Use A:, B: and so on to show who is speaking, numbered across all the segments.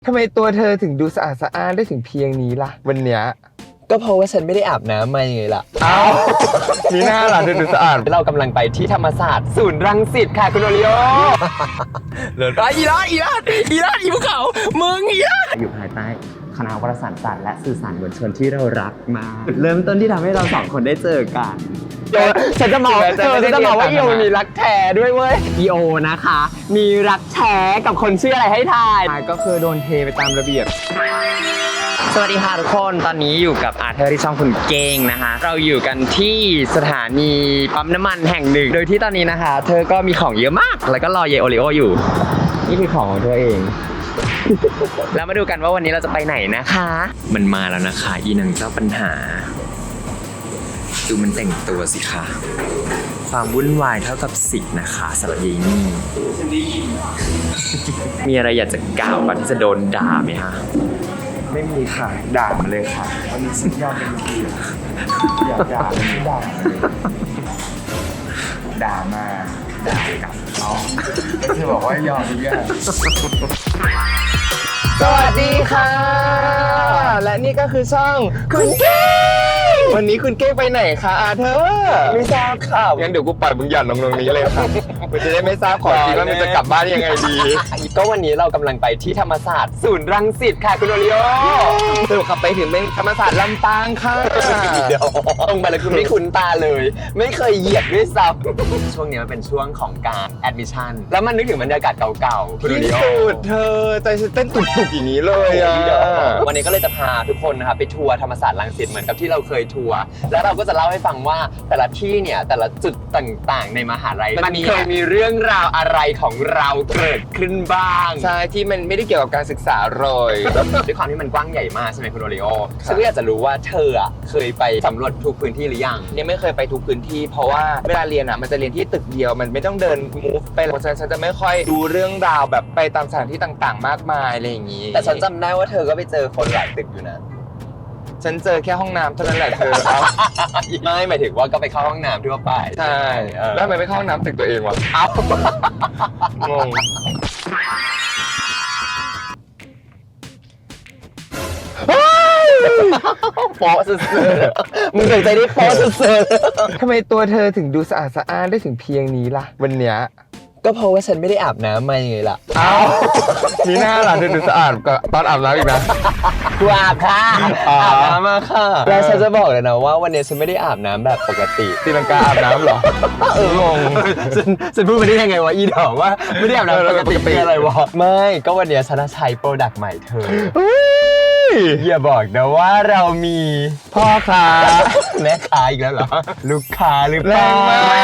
A: ทำไมตัวเธอถึงดูสะอาดสะอ้านได้ถึงเพียงนี้ล่ะวันเนี้ย
B: ก็เพราะว่าฉันไม่ได้อาบน้ำมาไงล่ะ
A: อ้าวมีหน้าล่ะเธอดูสะอาด
B: เรากำลังไปที่ธรรมศาสตร์ศูนย์รังสิตค่ะคุณโอริโอเลิศอีลาดภูเขามึงอีลาดอยู่ภายใต้คณะวารสารศาสตร์และสื่อสารมวลชนที่เรารักมาจุดเริ่มต้นที่ทำให้เราสองคนได้เจอกันฉันจะบอกว่าอีโอมีรักแท้ด้วยเว้ยอีโอนะคะมีรักแท้กับคนชื่ออะไรให้ทาย
A: ก็คือโดนเทไปตามระเบียบ
B: สวัสดีค่ะทุกคนตอนนี้อยู่กับอาร์เธอร์ที่ช่องคุณเก้งนะคะเราอยู่กันที่สถานีปั๊มน้ำมันแห่งหนึ่งโดยที่ตอนนี้นะคะเธอก็มีของเยอะมากแล้วก็รอเยโอริโออยู่นี่คือของเธอเอง แล้วมาดูกันว่าวันนี้เราจะไปไหนนะคะมันมาแล้วนะคะอีนางเจ้าปัญหาดูมันแต่งตัวสิคะความวุ่นวายเท่ากับสิทธิ์นะคะสำหรับยีนี่มีอะไรอยากจะกล่าวก่อนที่จะโดนด่าไหมคะ
A: ไม่มีค่ะด่ามาเลยค่ะวันนี้ฉันยอมเป็นเกียรติอยากด่าไม่ด่าเลยด่ามาด่ากลับเอาก็คือบอกว่ายอมทุกอย่างสวัสดีค่ะและนี่ก็คือช่องคุณเก้งวันนี้คุณเก้งไปไหนคะอาเธอ
B: ไม่ทราบค่ะ
A: งั้นเดี๋ยวกูปล่อยมึงหย่อนลงตรงนี้เลยค่ะกูจะได้ไม่ทราบขอทีว่ามึงจะกลับบ้านยังไงดี
B: ก็วันนี้เรากำลังไปที่ธรรมศาสตร์ศูนย์รังสิตค่ะคุณโอริโอ
A: สรุปขับไปถึงเป็นธรรมศาสตร์ลำปางค่ะ
B: เดี๋ยวตรงไปแล้วคือไม่คุ้นตาเลยไม่เคยเหยียบด้วยซ้ำช่วงนี้มันเป็นช่วงของการแอดมิชชั่นแล้วมันนึกถึงบรรยากาศเก่าๆคุณโอริโอ
A: ที่สุดเธอใจฉันเต้นตุบๆอย่างนี้เลยอ่ะ
B: วันนี้ก็เลยจะพาทุกคนนะครับไปทัวร์ธรรมศาสตร์รังสิตเหมือนกับที่เราเคยทัวร์แล้วเราก็จะเล่าให้ฟังว่าแต่ละที่เนี่ยแต่ละจุดต่างๆในมหาลัยมันเคยมีเรื่องราวอะไรของเราเกิดขึ้นบ้าง
A: ใช่ที่มันไม่ได้เกี่ยวกับการศึกษาเลย
B: ด้วยความที่มันกว้างใหญ่มากใช่ไหมคุณโอริโอฉันก็อยากจะรู้ว่าเธอเคยไปสำรวจทุกพื้นที่หรือยัง
A: เนี่ยไม่เคยไปทุกพื้นที่เพราะว่าเวลาเรียนมันจะเรียนที่ตึกเดียวมันไม่ต้องเดินมูฟไปเพราะฉะนั้นฉันจะไม่ค่อยดูเรื่องราวแบบไปตามสถานที่ต่างๆมากมายอะไรอย่างนี้
B: แต่ฉันจำได้ว่าเธอก็ไปเจอคนหลายตึกอยู่นะ
A: ฉันเจอแค่ห้องน้ำเท่านั้นแหละเธอ
B: ไม่หมายถึงว่าก็ไปเข้าห้องน้ำทั่วไป
A: ใช่แล้วทำไมไม่เข้าห้องน้ำตึกตัวเองวะงง
B: โป๊ะสุดๆมึงเคยใจได้โป๊ะสุด
A: ๆทำไมตัวเธอถึงดูสะอาดสะอ้านได้ถึงเพียงนี้ล่ะวันเนี้ย
B: ก็เพราะว่าฉันไม่ได้อาบน้ำมาไงล่ะ
A: อ้าวมีหน้าล่ะเธอดูสะอาดกว่าตอนอาบน้ำอีกนะ
B: กูอาบค่ะอาบน้ำมาค่ะแล้วฉันจะบอกเลยนะว่าวันนี้ฉันไม่ได้อาบน้ำแบบปกติ
A: ตีลังกาอาบน้ำเหรองง
B: ฉันพูดไปได้ยังไงวะอีดอกว่าไม่ได้อาบน้ำปกติอะไรวะไม่ก็วันนี้ฉันใช้โปรดักต์ใหม่เธออย่าบอกนะว่าเรามี
A: พ่อค้า
B: แม่ค้าอีกแล้วเหรอลูกค้าหรือเปล่า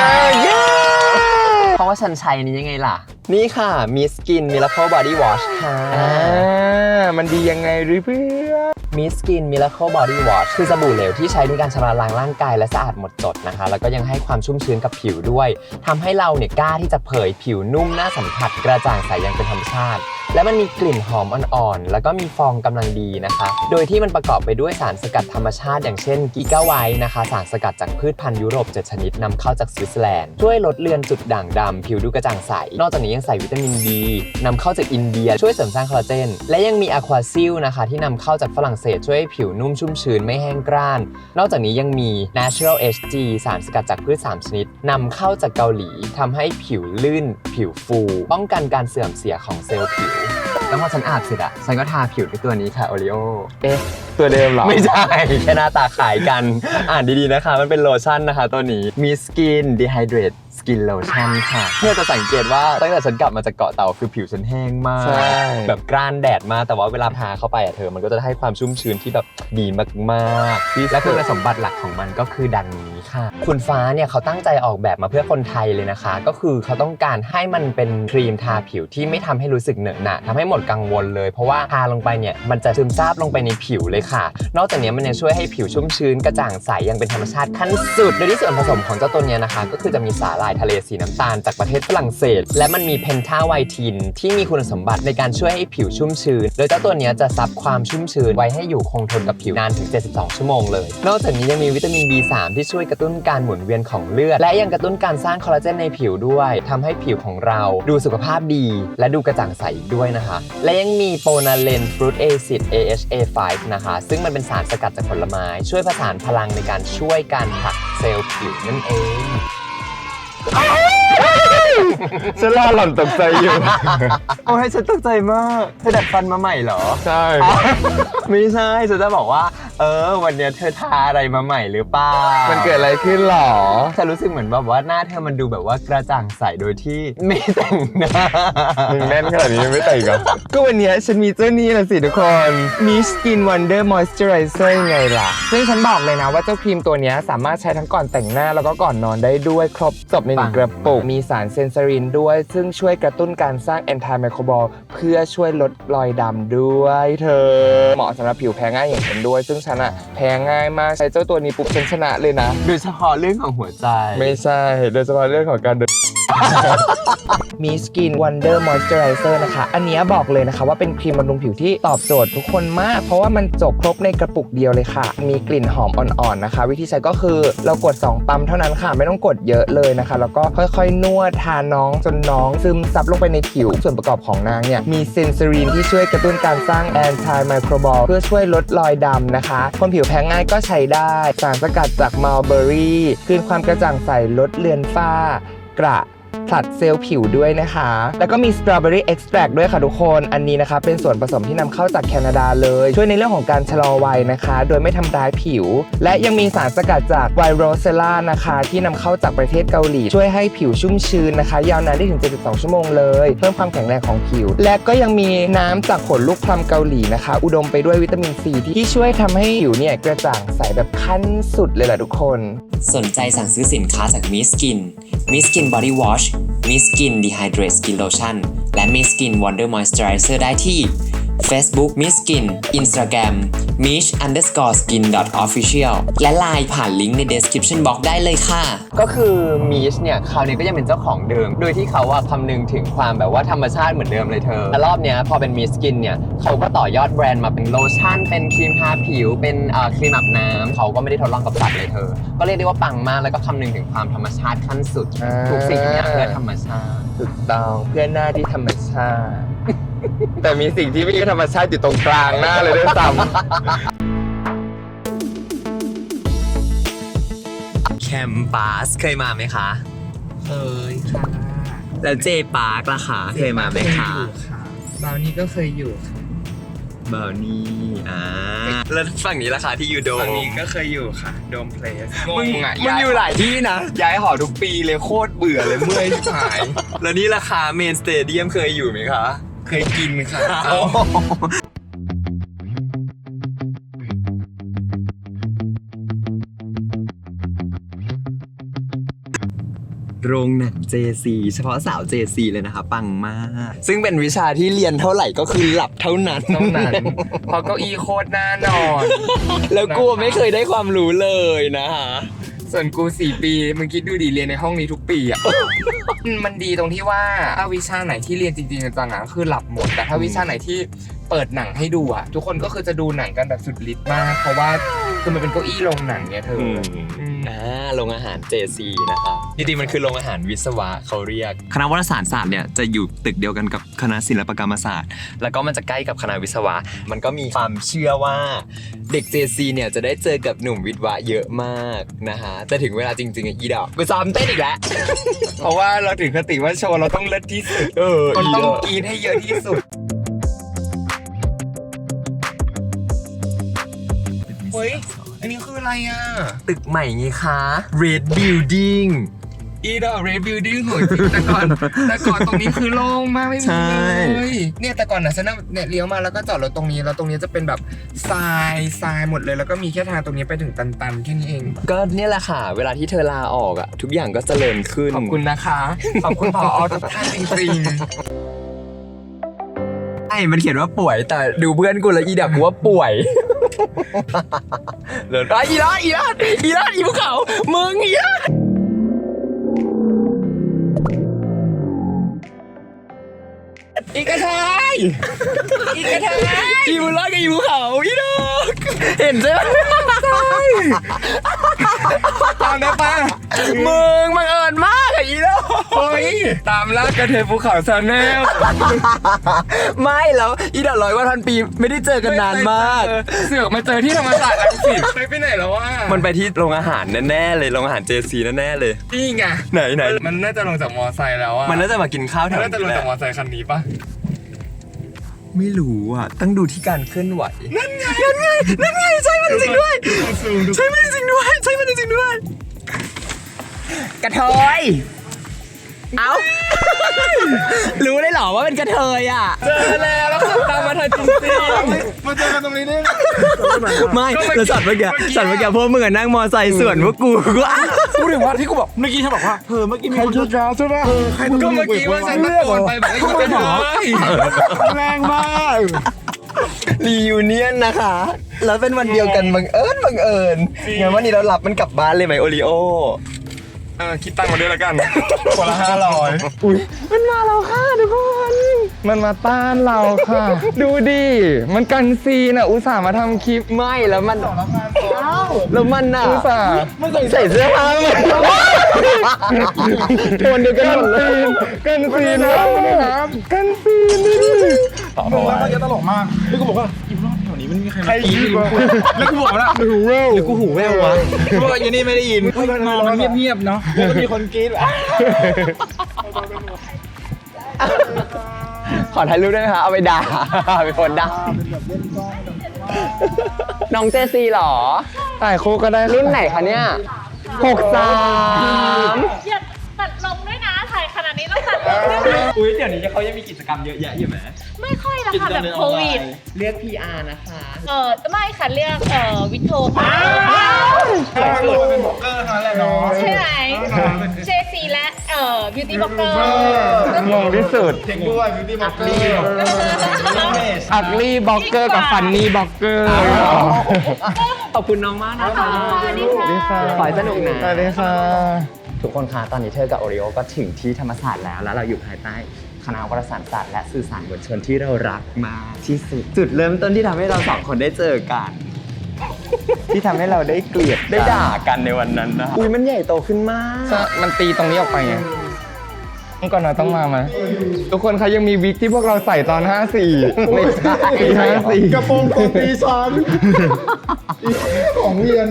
B: เพราะว่าฉันใช้นี้ยังไงล่ะนี่ค่ะมีสกินมิราเคิลบอดี้วอชค่ะ
A: มันดียังไงหรือเพื่อน
B: มิสกินมิราเคิลบอดี้วอชคือสบู่เหลวที่ใช้ในการชำระล้างร่างกายและสะอาดหมดจดนะคะแล้วก็ยังให้ความชุ่มชื้นกับผิวด้วยทำให้เราเนี่ยกล้าที่จะเผยผิวนุ่มน่าสัมผัสกระจ่างใสอย่างเป็นธรรมชาติและมันมีกลิ่นหอมอ่อนๆแล้วก็มีฟองกำลังดีนะคะโดยที่มันประกอบไปด้วยสารสกัดธรรมชาติอย่างเช่นกิก้าไวท์นะคะสารสกัดจากพืชพันธุ์ยุโรป7ชนิดนำเข้าจากสวิตเซอร์แลนด์ช่วยลดเลือนจุดด่างดำผิวดูกระจ่างใสนอกจากนี้ยังใส่วิตามินดีนำเข้าจากอินเดียช่วยเสริมสร้างคอลลาเจนและยังมีอะควาซิลนะคะที่นำเข้าจากฝรั่งเศสช่วยให้ผิวนุ่มชุ่มชื้นไม่แห้งกร้านนอกจากนี้ยังมี Natural HG สารสกัดจากพืช3ชนิดนำเข้าจากเกาหลีทำให้ผิวลื่นผิวฟูป้องกันการเสื่อมเสียของเซลล์ผิวแล้วพอฉันอาบเสร็จฉันก็ทาผิวด้วยตัวนี้ค่ะโอริโอ
A: ตัวเดิมเหรอ
B: ไม่ใช่แค่หน้าตาขายกันอ่านดีๆนะคะมันเป็นโลชั่นนะคะตัวนี้มีสกินดีไฮเดรตสกินโลชั่นค่ะเพื่อจะสังเกตว่าตั้งแต่ฉันกลับมาจากเกาะเต่าคือผิวฉันแห้งมากแบบกร้านแดดมากแต่ว่าเวลาทาเข้าไปเธอมันก็จะให้ความชุ่มชื้นที่แบบดีมากๆและคุณสมบัติหลักของมันก็คือดังนี้ค่ะคุณฟ้าเนี่ยเขาตั้งใจออกแบบมาเพื่อคนไทยเลยนะคะก็คือเขาต้องการให้มันเป็นครีมทาผิวที่ไม่ทำให้รู้สึกเหนอะหนะทำให้หมดกังวลเลยเพราะว่าทาลงไปเนี่ยมันจะซึมซาบลงไปในผิวเลยค่ะนอกจากนี้มันยังช่วยให้ผิวชุ่มชื้นกระจ่างใสยังเป็นธรรมชาติขั้นสุดโดยที่ส่วนผสมของเจ้าตัวนี้นะคะก็คือจะมีสาหร่ายายทะเลสีน้ำตาลจากประเทศฝรั่งเศสและมันมีเพนทาไวทินที่มีคุณสมบัติในการช่วยให้ผิวชุ่มชื้นโดยเจ้าตัวนี้จะซับความชุ่มชื้นไว้ให้อยู่คงทนกับผิวนานถึง72ชั่วโมงเลยนอกจากนี้ยังมีวิตามิน B3 ที่ช่วยกระตุ้นการหมุนเวียนของเลือดและยังกระตุ้นการสร้างคอลลาเจนในผิวด้วยทำให้ผิวของเราดูสุขภาพดีและดูกระจ่างใสอีกด้วยนะคะและยังมีโปนาเลนฟรุตแอซิด AHA5 นะคะซึ่งมันเป็นสารสกัดจากผลไม้ช่วยผสานพลังในการช่วยการผลักเซลล์ผิวนั่นเอง
A: ฉันรอหล่อนตกใจอยู่
B: โอ้ยฉันตกใจมากเธอดัดฟันมาใหม่เหรอ
A: ใช่
B: ไม่ใช่ฉันจะบอกว่าวันเนี้ยเธอทาอะไรมาใหม่หรือเปล่ามั
A: มันเกิดอะไรขึ้นหรอ
B: ฉันรู้สึกเหมือนแบบว่าหน้าเธอมันดูแบบว่ากระจ่างใสโดยที่ไม่แต่งหน้า
A: มึงแน่นขนาดนี้ยังไม่แต่งเหรอ ก็วันนี้ฉันมีเจ้านี่แหละสิทุกคน Miss Skin Wonder Moisturizer ไงล่ะ ซึ่งฉันบอกเลยนะว่าเจ้าครีมตัวนี้สามารถใช้ทั้งก่อนแต่งหน้าแล้วก็ก่อนนอนได้ด้วยครบจบในหนึ่งกระปุกมีสารเซนซารินด้วย ซึ่งช่วยกระตุ้นการสร้างแอนตี้ไมโครบอลเพื่อช่วยลดรอยดำด้วยเธอเหมาะสำหรับผิวแพ้ง่ายอย่างฉันด้วยซึ่งฉันอะแพ้ง่ายมากใช้เจ้าตัวนี้ปุ๊บฉันชนะเลยนะ
B: โดยเฉพาะเรื่องของหัวใจ
A: ไม่ใช่โดยเฉพาะเรื่องของการเดิน มีสกิน Wonder Moisturizer นะคะอันนี้บอกเลยนะคะว่าเป็นครีมบำรุงผิวที่ตอบโจทย์ทุกคนมากเพราะว่ามันจบครบในกระปุกเดียวเลยค่ะมีกลิ่นหอมอ่อนๆนะคะวิธีใช้ก็คือเรากด2ปั๊มเท่านั้นค่ะไม่ต้องกดเยอะเลยนะคะแล้วก็ค่อยๆนวดทาน้องจนน้องซึมซับลงไปในผิวส่วนประกอบของนางเนี่ยมีเซนซารีนที่ช่วยกระตุ้นการสร้างแอนตี้ไมโครบอลเพื่อช่วยลดรอยดำนะคะคนผิวแพ้ง่ายก็ใช้ได้สารสกัดจากมัลเบอรี่คืนความกระจ่างใสลดเลือนฝ้ากระผลัดเซลล์ผิวด้วยนะคะแล้วก็มีสตรอเบอรี่เอ็กซ์แทรด้วยค่ะทุกคนอันนี้นะคะเป็นส่วนผสมที่นำเข้าจากแคนาดาเลยช่วยในเรื่องของการชะลอวัยนะคะโดยไม่ทำร้ายผิวและยังมีสารสกัดจากไวโรเซล่านะคะที่นำเข้าจากประเทศเกาหลีช่วยให้ผิวชุ่มชื้นนะคะยาวนานได้ถึง72ชั่วโมงเลยเพิ่มความแข็งแรงของผิวและก็ยังมีน้ำจากผลลูกพลัมเกาหลีนะคะอุดมไปด้วยวิตามินซีที่ช่วยทำให้ผิวเนี่ยกระจ่างใสแบบขั้นสุดเลยแหละทุกคน
C: สนใจสั่งซื้อสินค้าจาก Miss Skin Miss Skin Body Wash Miss Skin Dehydrate Skin Lotion และ Miss Skin Wonder Moisturizer ได้ที่ Facebook Miss Skin Instagram mish_skin.official และ LINE ผ่านลิงก์ใน description box ได้เลยค่ะ
B: ก็คือมีชเนี่ยคราวนี้ก็ยังเป็นเจ้าของเดิมโดยที่เขาว่าคำนึงถึงความแบบว่าธรรมชาติเหมือนเดิมเลยเธอแต่รอบเนี้ยพอเป็นมีสกินเนี่ยเขาก็ต่อยอดแบรนด์มาเป็นโลชั่นเป็นครีมทาผิวเป็นครีมอาบน้ำเขาก็ไม่ได้ทดลองกับสัตว์เลยเธอก็เรียกได้ว่าปังมากแล้วก็คำนึงถึงความธรรมชาติขั้นสุดทุกสิ่งอย่างเพื่อธรรมชาติ
A: ถูกต้องเพื่อหน้าที่ธรรมชาติ แต่มีสิ่งที่ไม่ใช่ธรรมชาติอยู่ตรงกลางหน้าเลยด้วยซ้ำ
B: แคมปัสเคยมาไหมคะ
A: เคยค่ะ
B: แล้วเจปาร์คล่ะคะเคยมาไหมคะ
A: บาวนี่ก็เคยอยู่ค่ะ
B: บาวนี่แล้วฝั่งนี้ล่ะคะที่อยู่โดม
A: ฝั่งนี้ก็เคยอยู่ค่ะโดมเพลส
B: มึงอยู่หลายที่นะ
A: ย้ายหอทุกปีเลยโคตรเบื่อเลยเมื่อยชิบหาย
B: แล้วนี่ราคาเมนสเตเดียมเคยอยู่ไหมคะ
A: เคยกินค่ะ
B: โรงหนัง JC เฉพาะสาว JC เลยนะคะปังมากซึ่งเป็นวิชาที่เรียนเท่าไหร่ก็คือหลับเท่านั้น
A: เพราะเก้าอี้โคตรน่านอน
B: แล้วกูไม่เคยได้ความรู้เลยนะคะ
A: ส่วนกู4 ปีมึงคิดดูดิเรียนในห้องนี้ทุกปีอ่ะ มันดีตรงที่ว่าถ้าวิชาไหนที่เรียนจริงๆจังๆก็คือหลับหมดแต่ถ้าวิชาไหนที่เปิดหนังให้ดูอ่ะทุกคนก็คือจะดูหนังกันแบบสุดฤทธิ์มากเพราะว่าคือมันเป็นเก้าอี้โรงหนังเนี่ยเธอ
B: โรงอาหาร JC นะคะจริงๆมันคือโรงอาหารวิศวะเขาเรียกคณะวารสารศาสตร์เนี่ยจะอยู่ตึกเดียวกันกับคณะศิลปกรรมศาสตร์แล้วก็มันจะใกล้กับคณะวิศวะมันก็มีความเชื่อว่าเด็ก JC เนี่ยจะได้เจอกับหนุ่มวิศวะเยอะมากนะคะแต่ถึงเวลาจริงๆอีดอกกูซ้อมเต้นอีกแล้ว
A: เพราะว่าเราถึงคติว่าโชว์เราต้องเลิศที่สุดมันต้องกินให้เยอะที่สุดเฮ้ยอันนี้คืออะไรอ่ะ
B: ตึกใหม่ไงคะ Red Building
A: อีดอก Red Building โหยแต่ก่อนตรงนี้คือโล่งมากไม่มีเลยเนี่ยแต่ก่อนนะฉันเนี่ยเลี้ยวมาแล้วก็จอดรถตรงนี้แล้วตรงนี้จะเป็นแบบทรายหมดเลยแล้วก็มีแค่ทางตรงนี้ไปถึงตันๆแค่นี้เอง
B: ก็เนี่ยแหละค่ะเวลาที่เธอลาออกอ่ะทุกอย่างก็เจริญขึ้น
A: ขอบคุณนะคะขอบคุณผอ.ทุกท่านจริงๆ
B: มันเขียนว่าป่วยแต่ดูเพื่อนกูแล้วอีดักกูว่าป่วยเลยอีลาดอีภูเขามึงอีลาด
A: อีกระทายอีกระทายอีบุญรอดกับอีภูเขาอีดอกเห็นใช่ไหมใช่ตามได้ปะมึงบังเอิญมากอะอีดอกเฮ้ยตามล่ากระเทยภูเขาชาแนลไม่แล้วอีดอก100 วันพันปีไม่ได้เจอกันนานมากเสือกมาเจอที่ธรรมศาสตร์รังสิตไปไหนแล้ววะมันไปที่โรงอาหารแน่ๆเลยโรงอาหาร JC แน่ๆเลยนี่ไงไหนมันน่าจะลงจากมอไซค์แล้วอะมันน่าจะมากินข้าวแถวนี้น่าจะลงจากมอไซค์คันนี้ปะไม่รู้อ่ะต้องดูที่การเคลื่อนไหวนั่นไงใช่มันจริงด้วยใช่มันจริงด้วยกระเทยเอ้ารู้ได้หรอว่าเป็นกระเทยอ่ะเจอแล้วขับตามมาทันจริงๆมาเจอกันตรงนี้นี่ไม่แล้วสัตว์เมื่อกี้พวกมึงนั่งมอไซค์สวนพวกกูถึงว่าที่กูบอกเมื่อกี้ฉันบอกว่าเมื่อกี้มีคนชุดร้าวใช่ป่ะก็เมื่อกี้ว่าฉันตะโกนไปแบบไอ้กระเทยแรงมากรียูเนียนนะคะแล้วเป็นวันเดียวกันบังเอิญงั้นวันนี้เราหลับมันกลับบ้านเลยไหมโอริโอคิดตังค์มาด้วยแล้วกันคนละ500อุ้ยมันมาเราค่ะทุกคนมันมาต้านเราค่ะดูดิมันกันซีนอ่ะอุตส่าห์มาทำคลิปไม่แล้วมันแล้วมันอ่ะอุตส่าห์ใส่เสื้อผ้าโทนเดียวกันหมดเลยกันซีนนะครับกันซีนดิมึงแล้วมันจะตลกมากแล้วกูบอกว่าอีรอบแถวนี้มันมีใครมาตีแล้วกูบอกว่าหูแว่วหรือกูหูแว่ววะเพราะว่าอยู่นี่ไม่ได้ยินมองมันเงียบๆเนาะแล้วก็มีคนกรี๊ดขอถ่ายรูปได้ไหมคะเอาไปด่าไปโพสด่าน้องเจซีหรอถ่ายคู่ก็ได้รุ่นไหนคะเนี่ย63
D: อย่าตัดลงด้วยนะถ่ายขนาดนี้ต้องตัดลงด้วยนะ
B: อุ้ยเดี๋ยวนี้เขายังมีกิจกรรมเยอะแยะอยู่ไหม
D: ไม่ค่อยนะคะแบบโควิด
B: เรียก PR นะคะ
D: ไม่ค่ะเรียกวิทโท
B: เป็นบล็อกเกอร์นั่นแหละเนาะ
D: ใช่ไหมเจซีและบิวตี้บล็อกเกอร์
A: งงที่สุด
B: เทคด้วยบิวตี้บล็อกเกอร์
A: อักลี่บล็อกเกอร์กับฟันนี่บล็อกเกอร์
B: ขอบคุณน้องมากนะคะ
D: สวัสดีค่ะ
B: ขอให้สนุกนะ
A: สวัสดีค่ะ
B: ทุกคนคะตอนนี้เธอกับโอริโอก็ถึงที่ธรรมศาสตร์แล้วเราอยู่ภายใต้คณะวารสารศาสตร์และสื่อสารมวลชนที่เรารักมากที่สุดจุดเริ่มต้นที่ทำให้เราสองคนได้เจอกันที่ทำให้เราได้เกลียดได้ด่ากันในวันนั้นนะอุ้ยมันใหญ่โตขึ้นมาก
A: มันตีตรงนี้ออกไปไงก่อนหน่อยต้องมาไหมทุกคนคะยังมีวิกที่พวกเราใส่ตอน54ไม่ใช่54
B: กระโปรงตอนตีฉันของเรียน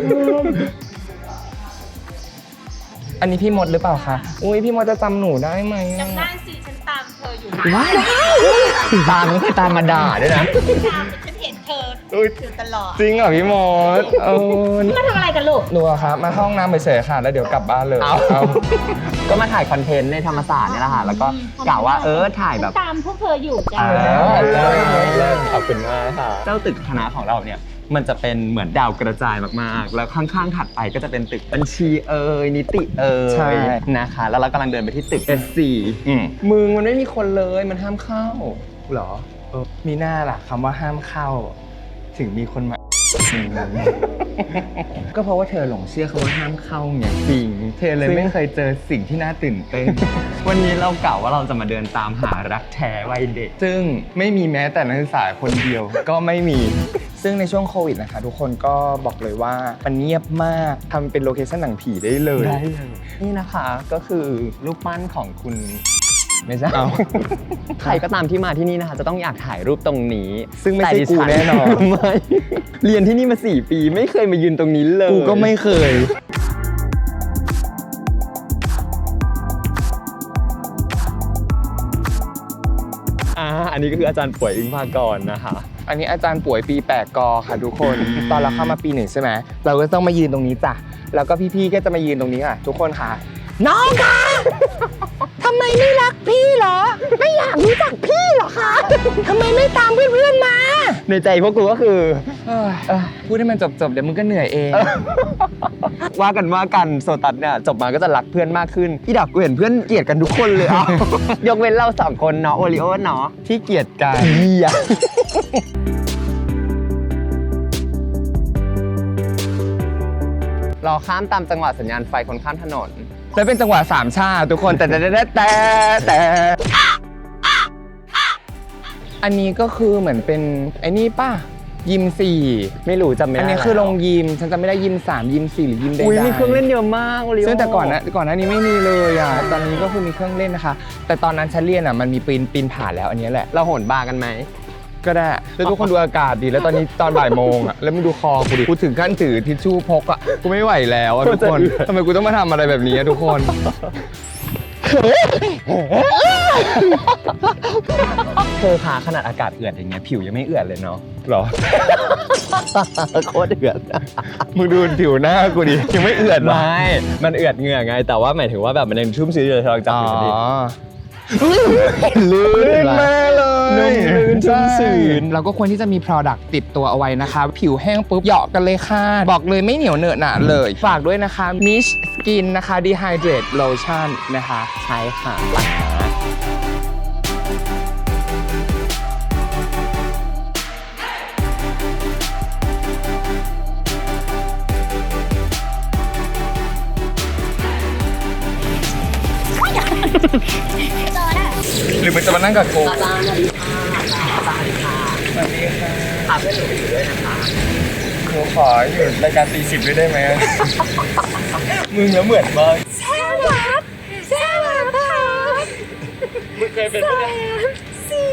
A: อันนี้พี่มดหรือเปล่าคะอุ้ยพี่มดจะจำหนูได้ไหม
D: จำได้สิฉันตามเธออยู่
A: ว้าวตามไม่เคยตามมาด่าด้วยนะ
D: ฉันเห็นเธออยู่ตลอด
A: จริงเหรอพี่มด
D: มาทำอะไรกันลูก
A: หนูอะครับมาห้องน้ำเฉยๆค่ะแล้วเดี๋ยวกลับบ้านเลย
B: ก็มาถ่ายคอนเทนต์ในธรรมศาสตร์นี่แหละค่ะแล้วก็กล่าวว่าถ่ายแบบ
D: ตามพวกเธออยู่จ้า
B: ขอบคุณมากค่ะเจ้าตึกคณะของเราเนี่ยมันจะเป็นเหมือนดาวกระจายมากๆแล้วข้างๆถัดไปก็จะเป็นตึกบัญชีนิติ
A: ใช่
B: นะคะแล้วเรากำลังเดินไปที่ตึก S4 มึงมันไม่มีคนเลยมันห้ามเข้า
A: หรอมีหน้าล่ะคำว่าห้ามเข้าถึงมีคนมาก็เพราะว่าเธอหลงเชื่อคำว่าห้ามเข้าไงจริงเธอเลยไม่เคยเจอสิ่งที่น่าตื่นเต้น
B: วันนี้เรากล่าวว่าเราจะมาเดินตามหารักแท้วัยเด็ก
A: ซึ่งไม่มีแม้แต่นักศึกษาคนเดียวก็ไม่มีซึ่งในช่วงโควิดนะคะทุกคนก็บอกเลยว่ามันเงียบมากทำเป็นโลเคชั่นหนังผีได้เลย
B: นี่นะคะก็คือรูปปั้นของคุณไม่ใช่ใครก็ตามที่มาที่นี่นะคะจะต้องอยากถ่ายรูปตรงนี้
A: ซึ่งไม่ใช่กูแน่นอน
B: ไม่เรียนที่นี่มา4 ปีไม่เคยมายืนตรงนี้เลย
A: กูก็ไม่เคย
B: อันนี้ก็คืออาจารย์ป่วยอึ้งภากรนะคะ
A: อันนี้อาจารย์ป่วยปี8 กค่ะทุกคนตอนเราเข้ามาปี1ใช่ไหมเราก็ต้องมายืนตรงนี้จ้ะแล้วก็พี่ๆก็จะมายืนตรงนี้ค่ะทุกคนค่ะน้องคะทำไมไม่รักพี่เหรอไม่อยากรู้จักพี่เหรอคะทำไมไม่ตามเพื่อนๆมา
B: ในใจพวกกูก็คือ
A: พูดให้มันจบเดี๋ยวมึงก็เหนื่อยเอง
B: ว่ากันโซตัสเนี่ยจบมาก็จะรักเพื่อนมากขึ้นพี่ดอกกูเห็นเพื่อนเกลียดกันทุกคนเลยยกเว้นเรา2 คนเนาะโอริโอเนาะ
A: ที่เกลียดกัน
B: รอข้ามตามจังหวะสัญญาณไฟคนข้ามถนน
A: แล้วเป็นจังหวะ3 ชาทุกคนแต่อันนี้ก็คือเหมือนเป็นไอ้นี่ป่ะยิม4
B: ไม่รู้จำไม่ได้
A: อันนี้คือลงยิมฉันจำไม่ได้ยิม3ยิม4หรือยิมใดๆ
B: อุ้ยมีเครื่องเล่นเยอะมากเลย
A: ซึ่งแต่ก่อนหน้านี้ไม่มีเลยอ่ะตอนนี้ก็คือมีเครื่องเล่นนะคะ แต่ตอนนั้นฉันเรียนอ่ะมันมีปีนผ่านแล้วอันนี้แหละ
B: เราโหนบาร์กันไหม
A: ก็ได้แล้วทุกคนดูอากาศดีแล้วตอนนี้ตอนบ่ายโมงอ่ะแล้วมึงดูคอกูดิกูถึงขั้นถือทิชชู่พกอ่ะกูไม่ไหวแล้วทุกคนทำไมกูต้องมาทำอะไรแบบนี้ทุกคน
B: เธอขาขนาดอากาศเอือดอย่างเงี้ยผิวยังไม่เอือดเลยเนาะ
A: หรอ
B: โคตรเอือด
A: มึงดูผิวหน้ากูดิยังไม่เอือดหรอ
B: ไม่มันเอือดเหงื่อไงแต่ว่าหมายถึงว่าแบบมันยังชุ่มชื้นอยู่เลยลองจับผิวดิลื่นมากเลยนุ่มลื่นชุ่มชื้น
A: เราก็ควรที่จะมี product ติดตัวเอาไว้นะคะผิวแห้งปุ๊บเหยาะกันเลยค่ะบอกเลยไม่เหนียวเหนอะหนะเลยฝากด้วยนะคะ Mish Skin นะคะ Dehydrate Lotion นะคะใช้ค่ะหรือมันจะมานั่งกับกูสวัสดีค่ะสวัสดีค่ะพาเพื่อนหนูไปอยู่ด้วยนะคะหนูขออยู่รายการตี10ด้วยได้ไหม มึงแล้วเหมือนมาก
D: แซ่บครับแซ่บครับ
A: มึงเคยเป็นไหม
D: สี่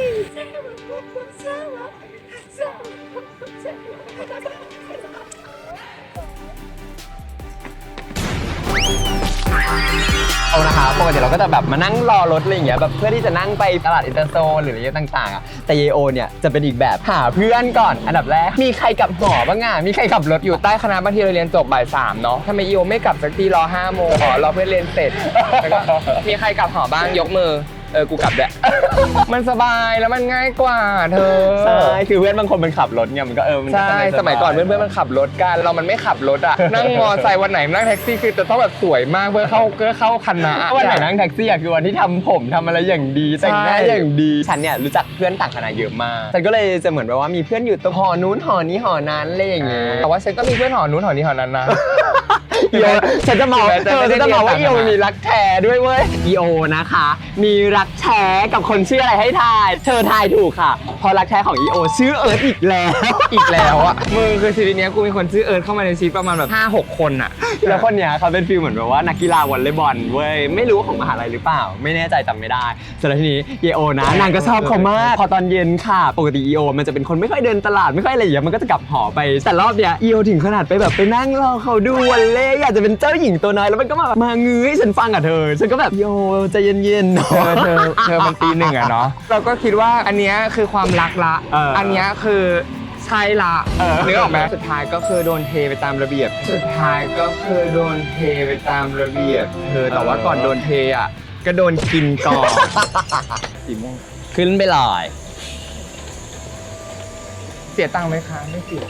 B: เอานะคะปกติเราก็จะแบบมานั่งรอรถอะไรอย่างเงี้ยแบบเพื่อที่จะนั่งไปตลาดอินเตอร์โซนหรืออะไรต่างๆอ่ะแต่เยโอเนี่ยจะเป็นอีกแบบหาเพื่อนก่อนอันดับแรกมีใครกลับหอบ้างอ่ะมีใครขับรถ
A: อยู่ใต้คณะบางทีเราเรียนจบบ่าย3เนาะทำไมอีโอไม่กลับสักทีรอ5 โมงรอเพื่อนเรียนเสร็จแล้วก็มีใครกลับหอบ้างยกมือกูกลับแหละ มันสบายแล้วมันง่ายกว่าเธอ
B: ใช่คือเพื่อนบางคนมันขับรถเนี่ยมันก็
A: ใช่สมัยก่อนเพื่อนมันขับรถกันเรามันไม่ขับรถอ่ะนั่งมอไซค์วันไหนนั่งแท็กซี่คือจะต้องแบบสวยมากเพื่อเข้าคณะ
B: วันไหนนั่งแท็กซี่อ่ะคือวันที่ทำผมทำอะไรอย่างดีแต่งหน้าอย่างดีฉันเนี่ยรู้จักเพื่อนต่างคณะเยอะมากฉันก็เลยจะเหมือนแบบว่ามีเพื่อนอยู่ตรงหอนู้นหอนี้หอนั้นอะไรอย่างเงี้ย
A: แต่ว่าฉันก็มีเพื่อนหอนู้นหอนี้หอนั้นนะ
B: ฉันจะบอกว่าอีโอมีรักแท้ด้วยเว้ยอีโอนะคะมีรักแท้กับคนชื่ออะไรให้ทายเธอทายถูกค่ะพอรักแท้ของอีโอชื่อเอิร์ธอีกแล้ว
A: อ่ะมึงคือชีวิตนี้กูมีคนชื่อเอิร์ธเข้ามาในชีวิตประมาณแบบ 5-6 คนอ่ะ
B: แล้วคนเนี้ยเขาเป็นฟีลเหมือนแบบว่านักกีฬาวอลเลย์บอลเว้ยไม่รู้ของมหาลัยหรือเปล่าไม่แน่ใจจำไม่ได้เสร็จแล้วทีนี้เยโอนะนางก็ชอบเขามากพอตอนเย็นค่ะปกติอีโอมันจะเป็นคนไม่ค่อยเดินตลาดไม่ค่อยอะไรอย่างเงี้ยมันก็จะกลับหอไปแต่รอบเนี้ยอีโอถึงขนาดไปแบบไปนั่งรอเขาดูวอลเลย์อยากจะเป็นเจ้าหญิงตัวน้อยแล้วมันก็มางื้อให้ฉันฟังกับเธอฉันก็แบบโยใจเย็นๆ
A: เธอมันตีหนึ่งอะเนาะเราก็คิดว่าอันเนี้ยคือความรักละอันเนี้ยคือใช่ละนึกออกไหมสุดท้ายก็คือโดนเทไปตามระเบียบสุดท้ายก็คือโดนเทไปตามระเบียบแต่ว่าก่อนโดนเทอ่ะก็โดนกินก่อนสีม่วง
B: ขึ้นไปลอย
A: เสียตังค์ไหมคะไม่เสีย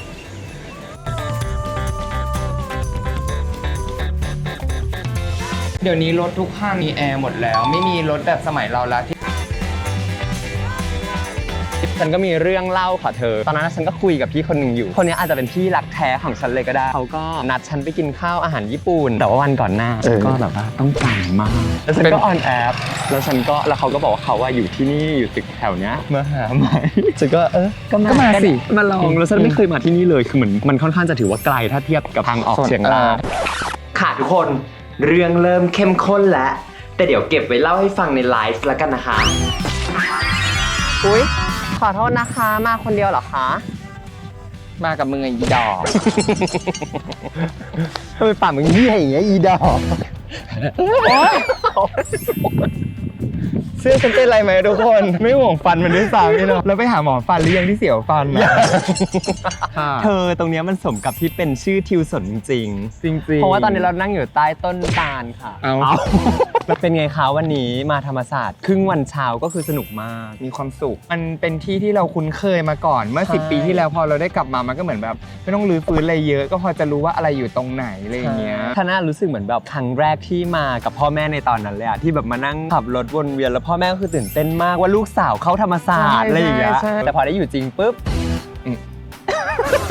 A: เดี๋ยวนี้รถทุกข้างมีแอร์หมดแล้วไม่มีรถแบบสมัยเราแล้วที่
B: ฉันก็มีเรื่องเล่าค่ะเธอตอนนั้นฉันก็คุยกับพี่คนหนึ่งอยู่คนนี้อาจจะเป็นพี่รักแท้ของฉันเลยก็ได้เขาก็นัดฉันไปกินข้าวอาหารญี่ปุ่นแต่ว่าวันก่อนหน้าฉันก็แบบว่าต้องจ่ายมากแล้วฉันก็ออนแอปแล้วเขาก็บอกว่าเขาว่าอยู่ที่นี่อยู่ตึกแถวเนี้ยมาหาไหมฉันก็ก็มาสิมาลองแล้วฉันไม่เคยมาที่นี่เลยคือเหมือนมันค่อนข้างจะถือว่าไกลถ้าเทียบกับทางออกเฉียงใต้ค่ะทุกคนเรื่องเริ่มเข้มข้นแล้วแต่เดี๋ยวเก็บไว้เล่าให้ฟังในไลฟ์แล้วกันนะคะอุ๊ยขอโทษนะคะมาคนเดียวเหรอคะ
A: มากับมึงไอ้อีดอก
B: ทำไมปากมึงเหี้ยอย่างเงี้ยอีดอก
A: เสื้อฉันเป็นไรไหมทุกคนไม่ห่วงฟันมันด้วยซ้ำนี่เนาะแล้วไปหาหมอฟันหรือยังที่เสียวฟันนะ
B: เธอตรงนี้มันสมกับที่เป็นชื่อทิวสนจริง
A: ๆ
B: เพราะว่าตอนนี้เรานั่งอยู่ใต้ต้นตาลค่ะเป็นไงคะวันนี้มาธรรมศาสตร์ครึ่งวันเช้าก็คือสนุกมาก
A: มีความสุขมันเป็นที่ที่เราคุ้นเคยมาก่อนเมื่อ10 ปีที่แล้วพอเราได้กลับมามันก็เหมือนแบบไม่ต้องรื้อฟื้นอะไรเยอะก็พอจะรู้ว่าอะไรอยู่ตรงไหนอะไรอย่างเงี้ย
B: ท่าน่ารู้สึกเหมือนแบบครั้งแรกที่มากับพ่อแม่ในตอนนั้นเลยอะที่แบบมานั่งขับรถวนเวียนแล้วพ่อแม่ก็คือตื่นเต้นมากว่าลูกสาวเข้าธรรมศาสตร์อะไรอย่างเงี้ยแต่พอได้อยู่จริงปุ๊บ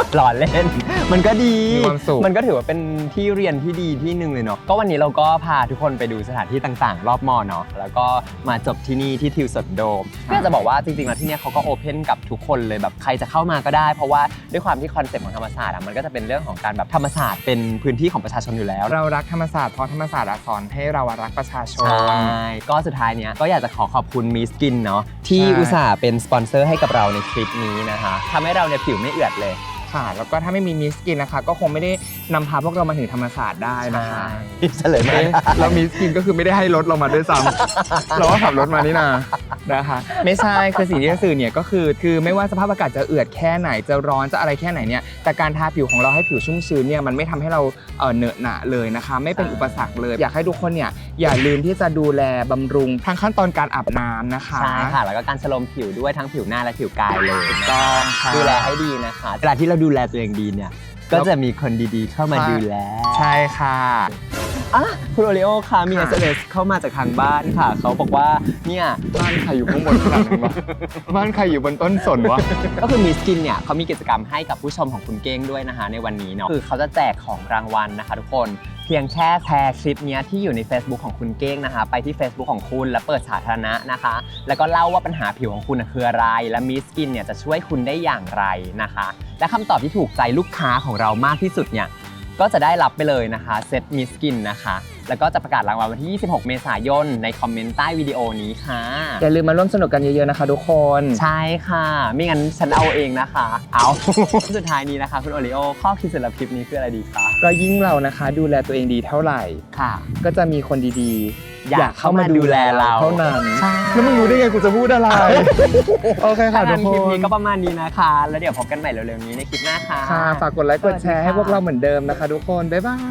B: หล่อเล่น มันก็ดี
A: มีความสุข
B: มันก็ถือว่าเป็นที่เรียนที่ดีที่หนึ่งเลยเนาะก็วันนี้เราก็พาทุกคนไปดูสถานที่ต่างๆ รอบมอเนาะแล้วก็มาจบที่นี่ที่ทิวสดโดมก็จะบอกว่าจริงๆแล้วที่เนี่ยเขาก็โอเพนกับทุกคนเลยแบบใครจะเข้ามาก็ได้ เพราะว่าด้วยความที่คอนเซ็ปต์ของธรรมศาสตร์มันก็จะเป็นเรื่องของการแบบธรรมศาสตร์เป็นพื้นที่ของประชาชนอยู่แล้ว
A: เรารักธรรมศาสตร์เพราะธรรมศาสตร์สอนให้เรารักประชาชน
B: ใช่ก็สุดท้ายเนี้ยก็อยากจะขอบคุณมิสกินเนาะที่
A: ใช่
B: อุตส่าห์เป็นสปอนเซอร์ให้กับเราในคลิปนี้นะคะทำให้เราเนี่ยผิวไม่เอือดเลย
A: ค่ะ แล้วก็ถ้าไม่มีมิสกินนะคะ ก็คงไม่ได้นำพาพวกเรามาถึงธรรมศาสตร์ได้นะคะ
B: เฉลยมา
A: เอ๊ะแล้วมิสกินก็คือไม่ได้ให้รถเรามาด้วยซ้ำ เราก็ขับรถมานี่นานะคะ ไม่ใช่คือสิ่งที่จะสื่อเนี่ยก็คือไม่ว่าสภาพอากาศจะเอือดแค่ไหนจะร้อนจะอะไรแค่ไหนเนี่ยแต่การทาผิวของเราให้ผิวชุ่มชื้นเนี่ยมันไม่ทำให้เราเหนอะหนะเลยนะคะ ไม่เป็นอุปสรรคเลย อยากให้ทุกคนเนี่ยอย่าลืมที่จะดูแลบำรุงทั้งขั้นตอนการอาบน้ำนะคะ
B: ใช่ค่ะแล้วก็การชโลมผิวด้วยทั้งผิวหน้าและผิวกายเลย
A: ถูกต้องค่ะ
B: ดูแลให้ดีนะคะเวลาที่เราดูแลตัวเองดีเนี่ยก็จะมีคนดีๆเข้ามาดูแล
A: ใช่ค่ะ
B: อ่ะคุณโอริโอค่ะมี SMS เข้ามาจากทางบ้านค่ะเขาบอกว่าเนี่ย
A: บ้านใครอยู่ข้างบนขนาดนั้นวะบ้านใครอยู่บนต้นสนวะ
B: ก็คือมิสกินเนี่ยเขามีกิจกรรมให้กับผู้ชมของคุณเก้งด้วยนะคะในวันนี้เนาะคือเขาจะแจกของรางวัลนะคะทุกคนเพียงแค่แชร์คลิปเนี้ยที่อยู่ใน Facebook ของคุณเก้งนะคะไปที่ Facebook ของคุณแล้วเปิดสาธารณะนะคะแล้วก็เล่าว่าปัญหาผิวของคุณคืออะไรและมิสกินเนี่ยจะช่วยคุณได้อย่างไรนะคะและคำตอบที่ถูกใจลูกค้าของเรามากที่สุดเนี่ยก็จะได้รับไปเลยนะคะเซตมิสกินนะคะแล้วก็จะประกาศรางวัลวันที่ 26 เมษายนในคอมเมนต์ใต้วิดีโอนี้ค่ะ
A: อย่าลืมมาร่วมสนุกกันเยอะๆนะคะทุกคน
B: ใช่ค่ะไม่งั้นฉันเอาเองนะคะเอา สุดท้ายนี้นะคะคุณโอริโอข้อคิดสำหรับคลิปนี้คืออะไรดีคะ
A: ก็ยิ่งเรานะคะดูแลตัวเองดีเท่าไหร่
B: ค่ะ
A: ก็จะมีคนดีๆ
B: อยากเข้ามาดูแลเรา
A: เท่านั้น
B: ใช่
A: แล้วมึงรู้ได้ไงกูจะพูดอะไร โอเคค่ะทุก
B: ค
A: ค
B: ลิป
A: น
B: นี้ก็ประมาณนี้นะคะ แล้วเดี๋ยวพบกันใหม่เร็วๆนี้ในคลิปหน้าค่ะ
A: ค่ะฝากกดไลค์กดแชร์ให้พวกเราเหมือนเดิมนะคะทุกคน บ๊ายบาย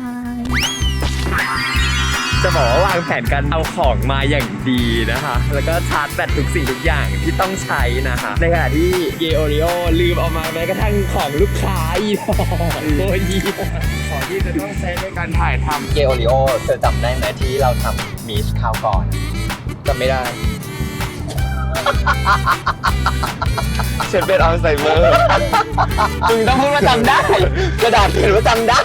B: จะบอกว่าวางแผนการเอาของมาอย่างดีนะคะ แล้วก็ชาร์จแบตทุกสิ่งทุกอย่างที่ต้องใช้นะคะ ในขณะที่เยโอริโอลืมเอามาแม้กระทั่งของลูกค้าอีกโอ้ย
A: ของที่จะต้องใช้ในการถ่ายท
B: เยโอริโอเธอจำได้ไหมที่เราทำมิชคราวก่อน
A: ำจำไม่ได้ ฉันเป็นอัลไซเมอร์
B: มึงต้องพูดว่าจำได้ กระดาษเขียนว่าจำได้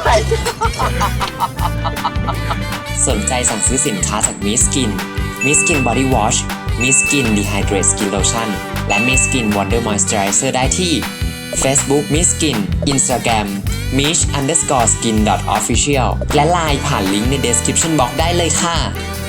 C: สนใจสั่งซื้อสินค้าจากมิสกิน มิสกินบอดี้วอช มิสกินดีไฮเดรตสกินโลชั่น และมิสกินวอนเดอร์มอยส์เจอไรเซอร์ได้ที่ Facebook มิสกิน Instagram mish_skin.official และ LINE ผ่านลิงก์ใน description box ได้เลยค่ะ